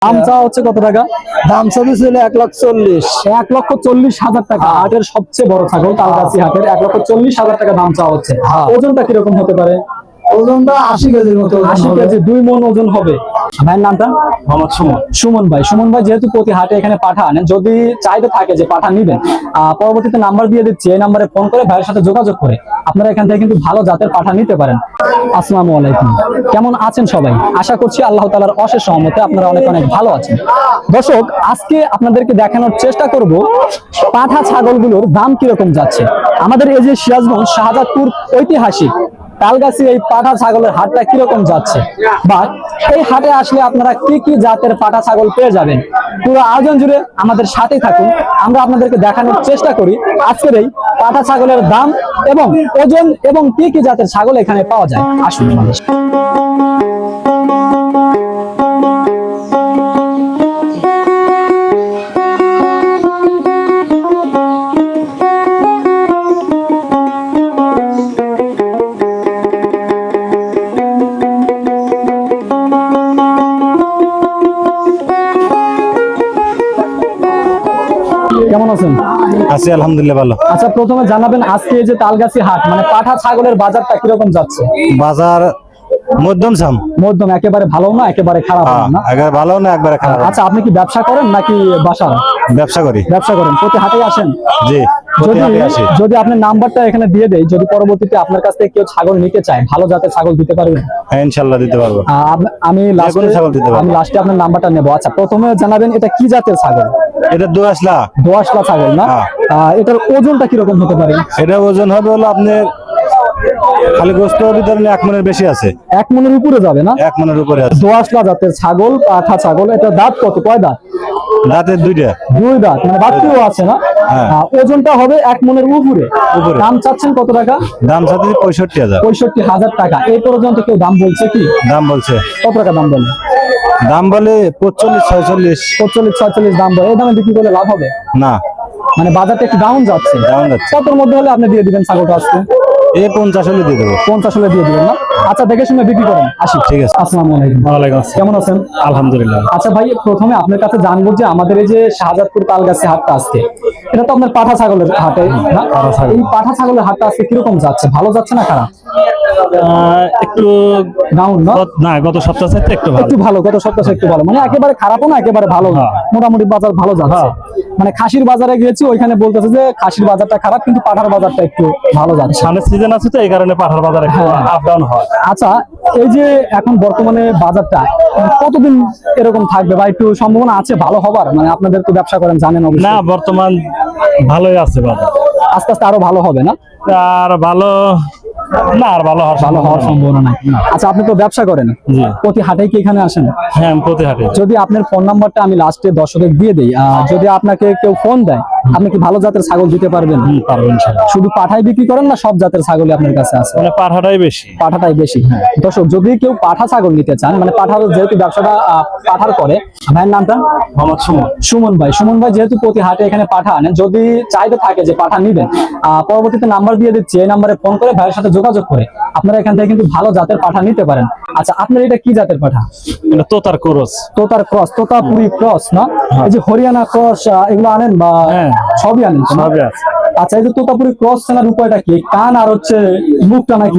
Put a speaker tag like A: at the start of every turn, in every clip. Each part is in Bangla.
A: দাম চাওয়া হচ্ছে কত টাকা?
B: দাম চলেছিল 1,40,000।
A: 1,40,000 টাকা। হাটের সবচেয়ে বড় ছাগল তালগাছি হাটের 1,40,000 টাকা দাম চাওয়া হচ্ছে। ওজনটা কিরকম হতে পারে?
B: ওজনটা 80 কেজির মতো।
A: 80 কেজি, 2 মণ ওজন হবে। ভাইয়ের নামটা?
B: মোহাম্মদ সুমন।
A: সুমন ভাই। সুমন ভাই যেহেতু প্রতি হাটে এখানে পাঠা আনেন, যদি চাইতে থাকে যে পাঠা নিবেন, পরবর্তীতে নাম্বার দিয়ে দিচ্ছি, এই নাম্বারে ফোন করে ভাইয়ের সাথে যোগাযোগ করে আপনারা এখান থেকে কিন্তু ভালো জাতের পাঠা নিতে পারেন। আসসালামু আলাইকুম, কেমন আছেন সবাই? আশা করছি আল্লাহ তাআলার অশেষ রহমতে আপনারা অনেক অনেক ভালো আছেন। দর্শক, আজকে আপনাদেরকে দেখানোর চেষ্টা করব পাঠা ছাগলগুলোর দাম কিরকম যাচ্ছে। আমাদের এই যে সিরাজগঞ্জ শাহজাদপুর ঐতিহাসিক তালগাছি এই পাঠা ছাগলের হাটটা কিরকম যাচ্ছে, বা এই হাটে আসলে আপনারা কি কি জাতের পাঠা ছাগল পেয়ে যাবেন, পুরো আয়োজন জুড়ে আমাদের সাথেই থাকুন। আমরা আপনাদেরকে দেখানোর চেষ্টা করি আজকের এই পাঠা ছাগলের দাম এবং ওজন এবং কি কি জাতের ছাগল এখানে পাওয়া যায়। আসুন। কেমন আছেন?
B: আছি আলহামদুলিল্লাহ ভালো।
A: আচ্ছা, প্রথমে জানাবেন আজকে এই যে তালগাছি হাট মানে পাঠা ছাগলের বাজারটা কিরকম যাচ্ছে?
B: বাজার মধ্যম সাম।
A: মধ্যম, একেবারে ভালো না একেবারে খারাপ না?
B: একবারে ভালো না একবারে খারাপ।
A: আচ্ছা, আপনি কি ব্যবসা করেন নাকি বাসার?
B: ব্যবসা করি।
A: ব্যবসা করেন, প্রতি হাটে আসেন?
B: জি, প্রতি হাটে আসি।
A: যদি আপনার নাম্বারটা এখানে দিয়ে দেই, যদি পরবর্তীতে আপনার কাছ থেকে কেউ ছাগল নিতে চায়, ভালো জাতের ছাগল দিতে পারবেন?
B: হ্যাঁ, ইনশাআল্লাহ দিতে পারবো।
A: আমি লাস্টে আপনার নাম্বারটা নেবো। আচ্ছা, প্রথমে জানাবেন এটা কি জাতের ছাগল?
B: এটা দোআঁশলা।
A: দোআঁশলা ছাগল না? এটার ওজনটা কিরকম হতে পারে?
B: এটা ওজন হবে হলো আপনার খালি গোস্ত ভিতরে 1 মণের বেশি আছে।
A: 1 মণের উপরে যাবে না?
B: 1 মণের উপরে আছে।
A: দোআঁশলা জাতের ছাগল, পাঠা ছাগল। এটা দাঁত কত, কয় দাঁত?
B: দাঁতের 2টা।
A: 2 দাঁত, মানে বাচ্চাও আছে না? ওজনটা হবে 1 মণের উপরে। দাম চাচ্ছেন কত টাকা?
B: দাম চাচ্ছি 65,000।
A: 65,000 টাকা। এই পর্যন্ত কেউ দাম বলছে কি?
B: দাম বলছে।
A: কত টাকা দাম বলে?
B: দাম বলে 45, 46।
A: 45, 46 দাম বলে। এই দামে বিক্রি করলে লাভ হবে
B: না,
A: মানে বাজারটা একটু ডাউন যাচ্ছে।
B: ডাউন যাচ্ছে।
A: কতর মধ্যে হলে আপনি দিয়ে দিবেন ছাগলটা আজকে?
B: 50 হলে দিয়ে দেবো।
A: 50 হলে দিয়ে দিবেন না? আচ্ছা, দেখে শুনে বিক্রি করেন। আসি।
B: ঠিক আছে।
A: আসসালামু আলাইকুম।
B: ওয়ালাইকুম আসসালাম।
A: কেমন আছেন?
B: আলহামদুলিল্লাহ।
A: আচ্ছা ভাই, প্রথমে আপনার কাছে জানবো যে আমাদের এই যে শাহজাদপুর তালগাছি হাটটা আজকে, এটা তো আপনার পাঠা ছাগলের হাটে না? এই পাঠা ছাগলের হাটটা আজকে কিরকম যাচ্ছে? ভালো যাচ্ছে না খারাপ?
C: একটু
A: ডাউন
C: না, গত সপ্তাহ থেকে একটু ভালো।
A: একটু ভালো, গত সপ্তাহে একটু ভালো, মানে একেবারে খারাপও না একেবারে ভালো না, মোটামুটি বাজার ভালো যাচ্ছে। মানে খাসির বাজারে গিয়েছি, ওইখানে বলতেছে যে খাসির বাজারটা খারাপ, কিন্তু পাঠার বাজারটা একটু ভালো যাচ্ছে।
C: ধানের সিজন আছে তো, এই কারণে পাঠার বাজার আপ ডাউন হয়।
A: আচ্ছা, এই যে এখন বর্তমানে বাজারটা কতদিন এরকম থাকবে বা একটু সম্ভাবনা আছে ভালো হবার? মানে আপনাদের তো ব্যবসা করেন, জানেন অবশ্যই।
C: না, বর্তমান ভালোই আছে বাজার।
A: আস্তে আস্তে আরো ভালো হবে না?
C: আর ভালো না, আর ভালো
A: হওয়ার সম্ভাবনা নাই। আচ্ছা, আপনি তো ব্যবসা করেন, প্রতি হাটে কি এখানে আসেন?
C: হ্যাঁ, প্রতি হাটে।
A: যদি আপনার ফোন নাম্বারটা আমি লাস্টে দর্শকের দিয়ে দেই, যদি আপনাকে কেউ ফোন দেয়, আপনি কি ভালো জাতের ছাগল দিতে পারবেন?
C: পারবেন।
A: শুধু পাঠাই বিক্রি করেন না সব জাতের ছাগলই আপনার কাছে আছে?
C: মানে পাঠাটাই বেশি।
A: পাঠাটাই বেশি। দর্শক, যদি কেউ পাঠা ছাগল নিতে চান, মানে পাঠা যেহেতু ব্যবসাটা পাঠার করে, ভাইয়ের নামটা?
C: মোহাম্মদ সুমন।
A: সুমন ভাই। সুমন ভাই যেহেতু প্রতি হাটে এখানে পাঠা আনেন, যদি চাইতে থাকে যে পাঠা নিবেন, পরবর্তীতে নাম্বার দিয়ে দিচ্ছি, এই নাম্বারে ফোন করে ভাইয়ের সাথে যোগাযোগ করে আপনারা এখান থেকে কিন্তু ভালো জাতের পাঠা নিতে পারেন। আচ্ছা, আপনার এটা কি জাতের পাঠা?
C: এটা তোতার ক্রস।
A: তোতার ক্রস, তোতাপুরি ক্রস না? এই যে হরিয়ানা ক্রস এগুলো আনেন বা সবই আনেন?
C: সবই আছে।
A: আচ্ছা, এই যে তোতাপুরি ক্রস চেনার উপায়টা কি? কান আর হচ্ছে মুখটা নাকি?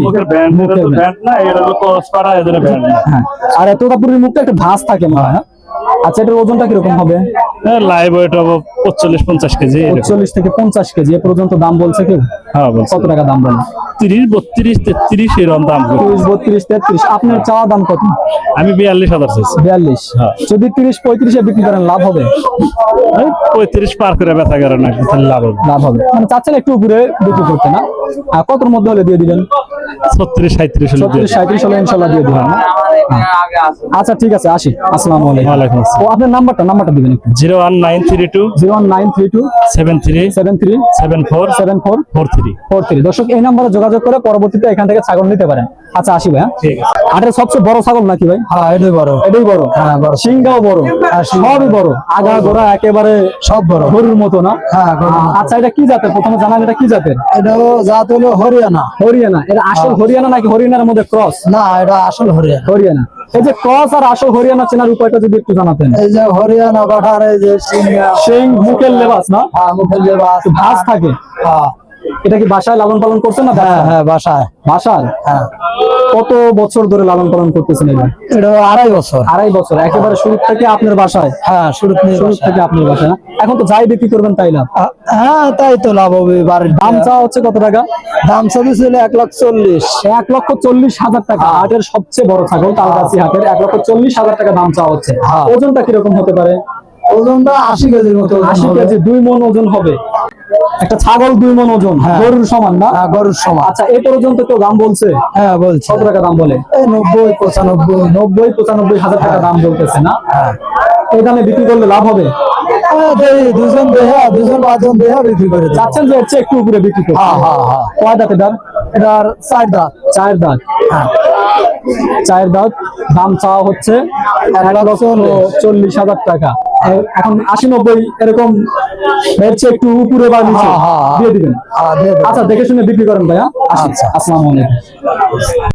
A: হ্যাঁ, আর তোতাপুরির মুখটা একটা ভাঁজ থাকে মনে হয়। আচ্ছা, এটার ওজনটা কিরকম হবে?
C: লাইভ ওয়েট হবে 45-50 কেজি।
A: 45 থেকে 50 কেজি এ পর্যন্ত দাম বলছে কেউ?
C: হ্যাঁ, বলছে।
A: কত টাকা দাম বলে?
C: 30, 32, 33 এরকম দাম।
A: 30, 32, 33। আপনার চাওয়া দাম কত?
C: আমি 42,000 চাইছি।
A: 42। যদি 30, 35 এ বিক্রি করেন লাভ হবে?
C: 35 পার করে বেচা করে না, লাভ হবে।
A: লাভ হবে, মানে চাচ্ছেন একটু উপরে বিক্রি করতে না? কতর মধ্যে হলে দিয়ে দিবেন?
C: 36, 37
A: 37 হলে ইনশাআল্লাহ দিয়ে দিবেন। আচ্ছা, ঠিক আছে, আসি। আসসালামু আলাইকুম।
C: ওয়ালাইকুম আসসালাম।
A: ও, আপনার নাম্বারটা দিবেন একটু।
C: 01932
A: 01932
C: 73
A: 73
C: 74
A: 74
C: 43
A: 43। দর্শক, এই নাম্বারে যোগাযোগ করে পরবর্তীতে এখান থেকে ছাগল নিতে পারেন। আচ্ছা, আসি ভাই।
C: ঠিক আছে।
A: হাটের সবচেয়ে বড় ছাগল নাকি ভাই?
B: হ্যাঁ, এটাই বড়।
A: এটাই বড়।
B: হ্যাঁ, বড়।
A: সিংটাও বড়, সবই বড়, আগা গোড়া একেবারে
B: সব বড়,
A: গরুর মতো না?
B: হ্যাঁ।
A: আচ্ছা, এটা কি জাতের? প্রথমে জানান এটা কি জাতের?
B: এটাও জাত হলো হরিয়ানা।
A: হরিয়ানা। এটা আসল হরিয়ানা নাকি হরিয়ানার মধ্যে ক্রস?
B: না, এটা আসল হরিয়ানা।
A: হরিয়ানা। এই যে ক্রস আর আসল হরিয়ানা চেনার উপায়টা যদি একটু জানাতেন।
D: এই যে হরিয়ানা পাঠার এই যে সিংহা,
A: সেই মুখের লেবাস না,
D: মুখের লেবাস,
A: ভাঁজ থাকে।
D: হ্যাঁ
A: এটা কি বাসায় লালন পালন করছেন না?
D: হ্যাঁ হ্যাঁ বাসায়,
A: বাসায়
D: হ্যাঁ।
A: কত বছর ধরে লালন পালন করতেছেন এটা?
D: এটা 2.5 বছর।
A: 2.5 বছর, একেবারে শুরু থেকে আপনার বাসায়?
D: হ্যাঁ শুরু
A: থেকে আপনার বাসায় না? এখন তো যাই বিক্রি করবেন তাই লাভ।
D: হ্যাঁ তাই তো লাভ হবে। বাড়ির
A: দাম চাওয়া হচ্ছে কত টাকা?
D: দাম চাইছিল 1,40,000।
A: 1,40,000 টাকা। হাটের সবচেয়ে বড় ছাগল তালগাছি হাটের 1,40,000 টাকা দাম চাওয়া হচ্ছে।
D: হ্যাঁ।
A: ওজনটা কিরকম হতে পারে?
D: ওজনটা 80 কেজির মতো।
A: 80 কেজি, 2 মণ ওজন হবে একটা ছাগল। 2 মণ ওজন,
D: হ্যাঁ।
A: গরুর সমান না?
D: হ্যাঁ গরুর সমান।
A: আচ্ছা, এই পর্যন্ত কেউ দাম বলছে?
D: হ্যাঁ বলছে।
A: কত টাকা দাম বলে?
D: এই
A: 90-95 হাজার টাকা দাম বলতেছে না?
D: হ্যাঁ।
A: এই দামে বিক্রি করলে লাভ হবে?
D: দুজন 5জন দেহা বিক্রি করে দিই।
A: চাচ্ছেন যে এর চেয়ে একটু উপরে বিক্রি করতে?
D: হ্যাঁ হ্যাঁ হ্যাঁ।
A: কয় দাঁতে দাম?
D: এটার 4 দাঁত।
A: 4 দাঁত।
D: হ্যাঁ
A: 4 দাঁত। দাম চাওয়া হচ্ছে 1,40,000 টাকা। এখন 80-90 এরকম এর চেয়ে একটু উপরে বা নিচে
D: হ্যাঁ, হ্যাঁ, হ্যাঁ।
A: দিয়ে দিবেন।
D: দিয়ে দেব।
A: আচ্ছা, দেখে শুনে বিক্রি করেন ভাইয়া।
D: আচ্ছা।
A: আসসালামু আলাইকুম।